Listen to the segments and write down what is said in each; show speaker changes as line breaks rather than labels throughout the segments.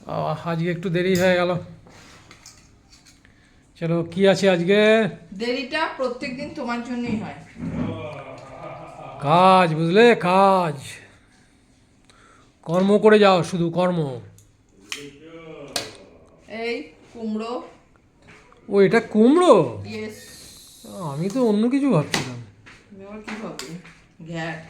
আজকে একটু দেরি হয়ে গেল। চলো, কি আছে আজকে?
দেরিটা প্রত্যেকদিন তোমার জন্যই হয়।
কাজ, বুঝলে, কাজ কর্ম করে যাও, শুধু কর্ম।
এই কুমড়ো।
ও, এটা কুমড়ো?
ইয়েস।
আমি তো অন্য কিছু ভাবছিলাম।
তুমি আবার কি ভাববে? ঘ্যাট।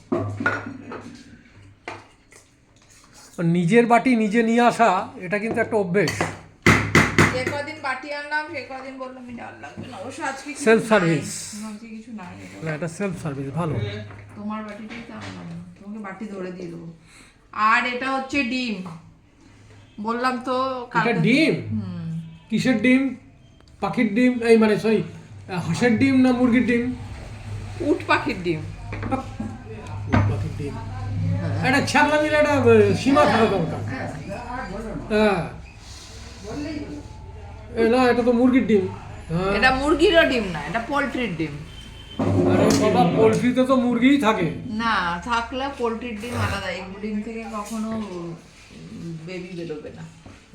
নিজের বাটি নিজে নিয়ে আসা, এটা কিন্তু একটা অভ্যেস।
যে কদিন বাটি আনলাম সে কদিন বললাম আমি ডাল লাগবে না, অবশ্য আজকে কিছু
সেলফ
নাই।
সার্ভিস।
আজকে কিছু নাই।
না, এটা সেলফ সার্ভিস, ভালো।
তোমার বাটিটাই তো আনলাম না, তোমাকে বাটি ধরে দিয়ে দেবো। আর এটা হচ্ছে ডিম, বললাম তো
এটা ডিম? কিসের ডিম? পাখির ডিম, এই মানে সরি, হাঁসের ডিম না মুরগির ডিম?
উট পাখির ডিম।
পাখির ডিম। এটা ছাগলা মিলে একটা সীমা থাকা দরকার। হ্যাঁ, না, এটা তো মুরগির ডিম। হ্যাঁ।
এটা মুরগিরও ডিম না, এটা পোলট্রির ডিম।
আরে বাবা, পোলট্রিতে তো মুরগিই থাকে।
না, থাকলে পোলট্রির ডিম আলাদা, এই ডিম থেকে কখনো বেবি বেরোবে না।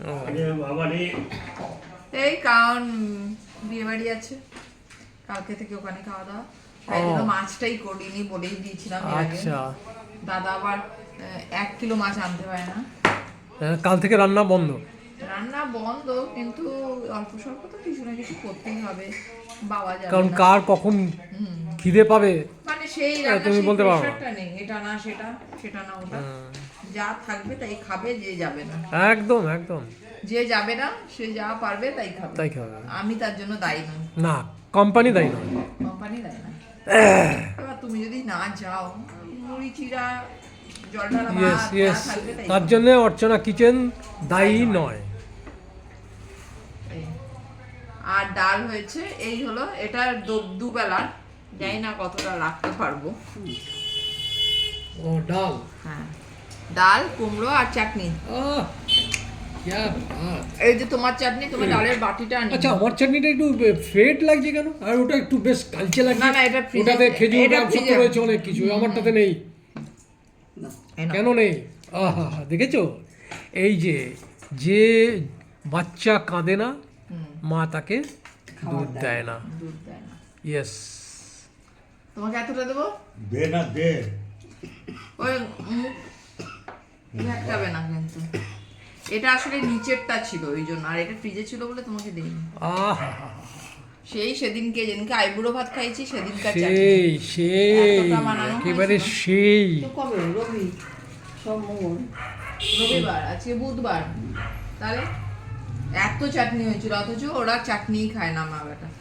এই কারণ বিয়ে বাড়ি আছে কালকে থেকে, ওখানে খাওয়া দাওয়া, তাই জন্য মাছটাই করিনি, বলেই দিয়েছিলাম এর আগে।
আচ্ছা।
দাদা আবার 1 কিলো মাছ আনতে হয় না।
কাল থেকে রান্না বন্ধ?
রান্না বন্ধ, কিন্তু অল্প স্বল্প তো কিছু না কিছু করতেই হবে, বাবা যাবে
কারণ
না।
কার কখন খিদে পাবে
মানে সেই
তুমি বলতে পারো না।
প্রেশারটা নেই, এটা না সেটা, সেটা না ওটা, যা থাকবে তাই খাবে, যে যাবে না।
একদম একদম।
যে যাবে না সে যা পারবে তাই খাবে,
তাই খাবে।
আমি তার জন্য দায়ী নই।
না, কোম্পানি দায়ী নয়।
কোম্পানি দায়ী না। এবার তুমি যদি না যাও, মুড়ি চিড়া জল ঢালা
ইয়েস
ভাত যা
ইয়েস,
থাকবে তাই
তার
খাবে।
জন্য অর্চনা কিচেন দায়ী নয়।
এই। আর ডাল হয়েছে, এই হলো, এটা দুবেলার, জানি না কতটা রাখতে পারবো।
ও, ডাল।
হ্যাঁ, ডাল, কুমড়ো আর চাটনি।
আহ, क्या बात।
এই যে তোমার চাটনি, তোমার ডালের বাটিটা আনি।
আচ্ছা, আমার চাটনিটা একটু ফেট লাগছে কেন? আর ওটা একটু বেশ কালচে লাগছে।
না, না, এটা ফ্রিজে,
ওটাতে খেজুর
এটা
আমসত্ব
ফ্রিজে
রয়েছে অনেক কিছু, আমারটাতে নেই। কেন নেই? আহা, দেখেছো, এই যে যে বাচ্চা কাঁদে না, মা তাকে দুধ দেয় না।
দুধ দেয় না।
ইয়েস।
তোমাকে এতটা দেবো?
দে না দে।
ওই ঝাঁকাবে না কিন্তু। এটা আসলে নিচেরটা ছিল ওই জন্য, আর এটা ফ্রিজে ছিল বলে তোমাকে দেইনি।
আহা,
সেই যেদিনকে আইবুড়ো ভাত খাইছি সেদিনকার চাটনি।
সেই সেই
এতটা বানানো
একেবারে
হয়েছিল।
সেই।
তো কবে? রবি, সোমবার, রবিবার, আজকে বুধবার, তাহলে এত চাটনি হয়েছিল, অথচ ওরা চাটনিই খায় না, মা বেটা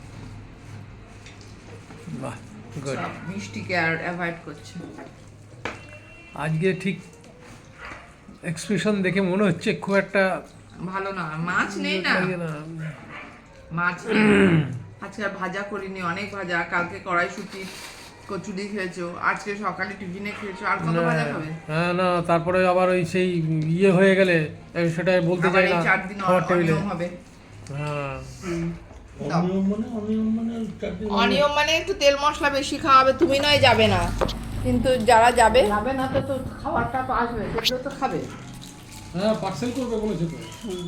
বাহ, গুড।
সব মিষ্টিকে আর অ্যাভয়েড করছে।
আজকে ঠিক এক্সপ্রেশন দেখে মনে হচ্ছে খুব একটা
ভালো না, মাছ নেই না,
লাগে না।
মাছ নেই। আজকে আর ভাজা করিনি, অনেক ভাজা, কালকে কড়াইশুঁটি কচুরি খেয়েছো, আজকে সকালে টিফিনে খেয়েছো, আর কত ভাজা খাবে?
হ্যাঁ, না, তারপরে আবার ওই সেই ইয়ে হয়ে গেলে সেটা বলতে
আবার
চাই
এই
না
4 দিন
খাবার টেবিলে।
অনিয়ম হবে।
হ্যাঁ,
অনিয়ম মানে চাটনি
অনিয়ম মানে একটু তেল মশলা বেশি খাওয়াবে, তুমি নয় যাবে না, কিন্তু যারা যাবে না তো তো খাবারটা তো আসবে, সেগুলো তো খাবে।
হ্যাঁ, পার্সেল করবে বলেছে তো।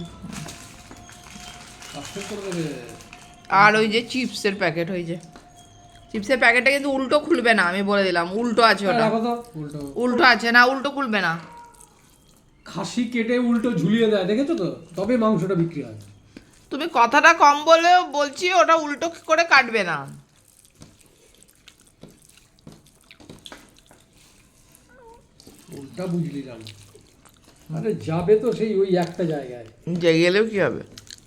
পার্সেল করে দেবে।
আর ওই যে চিপসের প্যাকেট, ওই যে চিপসের প্যাকেটটা কিন্তু উল্টো খুলবে না, আমি বলে দিলাম, উল্টো আছে ওটা,
রাখো তো, উল্টো।
উল্টো আছে না, উল্টো খুলবে না।
খাসি কেটে উল্টো ঝুলিয়ে দেয়, দেখেছো তো, তবে মাংসটা বিক্রি হয়।
তুমি কথাটা কম বলেও বলছি, ওটা উল্টো করে কাটবে না।
উল্টা বুঝলি না? আরে যাবে তো সেই ওই একটা জায়গায়।
যে গেলেও কি হবে?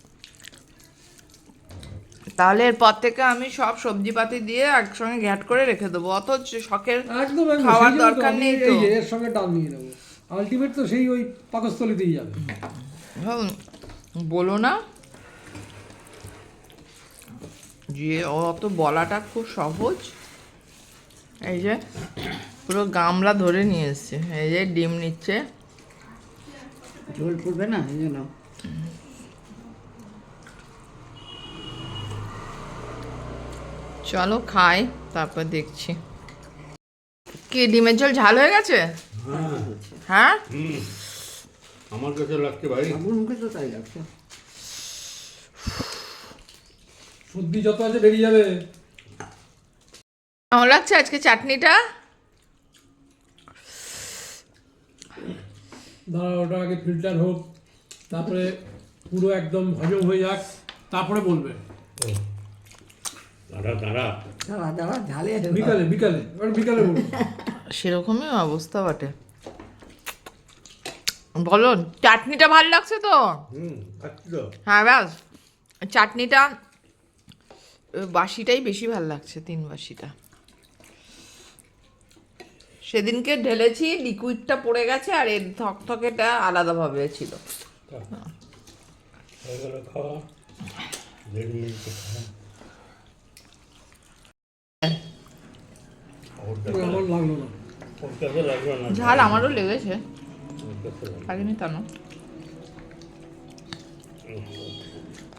তাহলে এরপর থেকে আমি সব সবজিপাতি দিয়ে একসঙ্গে ঘ্যাট করে রেখে দেবো, অত শখের
একদম একদম,
খাওয়ার
সেই জন্য তো
দরকার
আমি
নেই তো।
এই যে এর সঙ্গে ডাল নিয়ে নেবো, আলটিমেট তো সেই ওই পাকস্থলীতেই যাবে।
বলো না যে অত বলাটা খুব সহজ। এই যে পুরো গামলা ধরে নিয়ে এসছে, এই যে ডিম নিচ্ছে,
ঝোল পড়বে না এই জন্য।
চলো খাই, তারপর দেখছি। কি ডিমের ঝোল ঝাল হয়ে গেছে? হ্যাঁ,
আমার কাছে লাগছে ভাই
আমার মুখে তো তাই লাগছে।
সর্দি যত আছে বেরিয়ে যাবে।
কেমন লাগছে আজকে চাটনিটা?
দাঁড়া, ওটা আগে ফিল্টার হোক, তারপরে পুরো একদম হজম হয়ে যাক, তারপরে বলবে।
দাঁড়া দাঁড়া
দাঁড়া দাঁড়া ঝালে
বিকালে বিকালে এবার বিকালে বলবে।
সেরকমই অবস্থা বটে। বলো, চাটনিটা ভালো লাগছে তো?
খাচ্ছি তো
হ্যাঁ ব্যাস, চাটনিটা বাসিটাই বেশি ভালো লাগছে, 3 বাসিটা। সেদিনকে ঢেলেছি, লিকুইডটা পড়ে গেছে, আর এর থকথকেটা আলাদাভাবে ছিল।
হয়ে গেল খাওয়া 1.5 মিনিটে খাওয়া ওর কাছে
আমার লাগলো না।
ওর কাছে লাগলো না
ঝাল আমারও লেগেছে,
ওর কাছে লাগলো।
লাগেনি তা না।